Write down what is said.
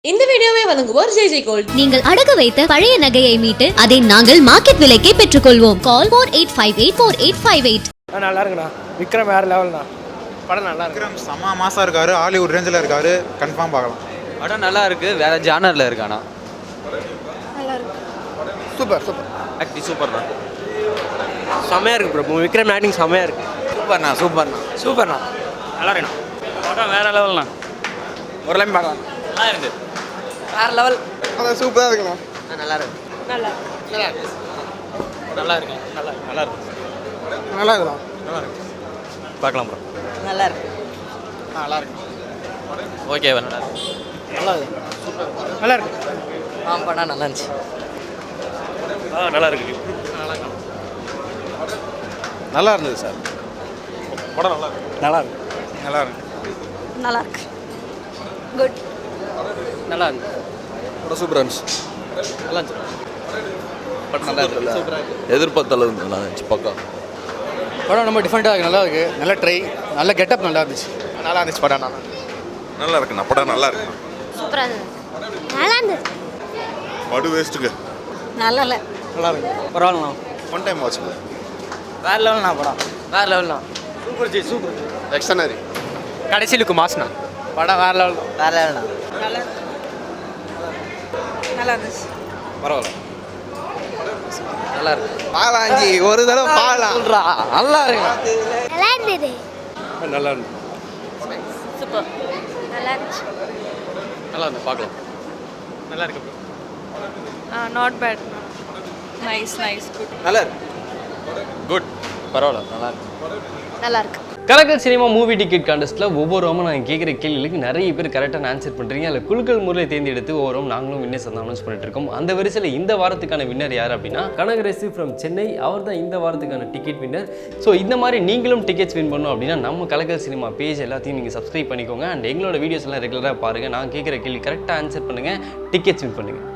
இந்த வீடியோவை வழங்குவோர் ஜெய் ஜெய் கோல்ட். நீங்கள் அடகு வைத்த பழைய நகையை மீட்டு அதை நாங்கள் மார்க்கெட் விலைக்கே பெற்றுக்கொள்வோம். கால் 48584858. நல்லா இருக்குண்ணா. விக்ரம் வேற லெவல்ண்ணா. படம் நல்லா இருக்கு. விக்ரம் செம்ம மாசா இருக்காரு, ஹாலிவுட் ரேஞ்சில் இருக்காரு, கன்ஃபார்ம் பார்க்கலாம். படம் நல்லா இருக்கு, வேற ஜானர்ல இருக்கானா. நல்லா இருக்கு. சூப்பர் சூப்பர் ஆக்டி சூப்பர் தான். செம்மையா இருக்கு ப்ரோ. விக்ரம் ஆக்டிங் செம்மையா இருக்கு. சூப்பர்ண்ணா சூப்பர்ண்ணா. நல்லா இருக்குண்ணா. படம் வேற லெவல்ண்ணா. ஒரு லைன் பார்க்கலாம். நல்லா இருக்கு. வேற லெவல். அதான் சூப்பரா இருக்குண்ணா. நல்லா இருக்கு. நல்லா நல்லா இருக்கு. நல்லா இருக்கு. நல்லா இருக்கு. நல்லா இருக்கு. நல்லா இருக்குண்ணா. நல்லா இருக்கு. பார்க்கலாம் ப்ரோ. நல்லா இருக்கு. நல்லா இருக்கு. ஓகே நல்லா இருக்கு. நல்லா இருக்கு. சூப்பர். நல்லா இருக்கு. படம் நல்லா இருந்துச்சு. நல்லா இருக்கு. நல்லா இருந்தது சார். படம் நல்லா இருக்கு. நல்லா இருக்கு. நல்லா இருக்கு. நல்லா இருக்கு. குட். நல்லா இருக்கு. படம் சூப்பராக இருந்துச்சு. நல்லா இருந்துச்சு. படம் நல்லா இருக்குல்ல, சூப்பராக இருக்கு. எதிர்பார்த்த அளவுக்கு நல்லா இருந்துச்சு. பக்கம் படம் ரொம்ப டிஃப்ரெண்ட்டாக இருக்குது. நல்லா இருக்குது. நல்ல ட்ரை, நல்ல கெட்டப் நல்லா இருந்துச்சு. நல்லா இருந்துச்சு படம். நல்லா இருக்குண்ணா. படம் நல்லா இருக்கு. சூப்பரா இருந்தது. நல்லா இருந்தது. படு வேஸ்ட்டுக்கு நல்லா இல்லை. நல்லா இருக்கு. பரவாயில்லண்ணா. ஒன் டைம் வாட்சுங்க. வேற லெவல்ண்ணா படம். வேற லெவல்ண்ணா. Super ji super. எக்ஸ்டனரி கடைசிலுக்கு மாஸ்ண்ணா. படம் வேற லெவல். வேற லெவல்ண்ணா. நல்லா நல்லா இருந்துச்சு. பரவாயில்ல. நல்லா இருக்கு. பாலாஞ்சி ஒரு தடவை பாலாம். நல்லா இருக்கு. நல்லா இருந்தது. நல்லா இருக்கு. சூப்பர். நல்லா இருந்துச்சு. நல்லா இருக்கு. பார்க்கலாம். நல்லா இருக்கு bro. Not bad. Nice good. நல்லா இருக்கு. குட். பரவாயில்ல நல்லா இருக்கு. நல்லா இருக்கு. கலக்கல் சினிமா மூவி டிக்கெட் கான்டெஸ்ட்டில் ஒவ்வொருவரும் நாங்கள் கேட்குற கேள்விகளுக்கு நிறைய பேர் கரெக்டாக ஆன்சர் பண்ணுறீங்க. அதில் குழுக்கள் முறையில் தேர்ந்தெடுத்து ஒவ்வொரு நாங்களும் வின்னர்ஸ் வந்து அனௌன்ஸ் பண்ணிட்டு இருக்கோம். அந்த வரிசையில் இந்த வாரத்துக்கான வின்னர் யார் அப்படின்னா கனகரசு ஃப்ரம் சென்னை. அவர் தான் இந்த வாரத்துக்கான டிக்கெட் வின்னர். ஸோ இந்த மாதிரி நீங்களும் டிக்கெட்ஸ் வின் பண்ணணும் அப்படின்னா நம்ம கலக்கல் சினிமா பேஜ் எல்லாத்தையும் நீங்கள் சப்ஸ்கிரைப் பண்ணிக்கோங்க. அண்ட் எங்களோட வீடியோஸ் எல்லாம் ரெகுலராக பாருங்கள். நான் கேட்குற கேள்வி கரெக்டாக ஆன்சர் பண்ணுங்கள், டிக்கெட்ஸ் வின் பண்ணுங்கள்.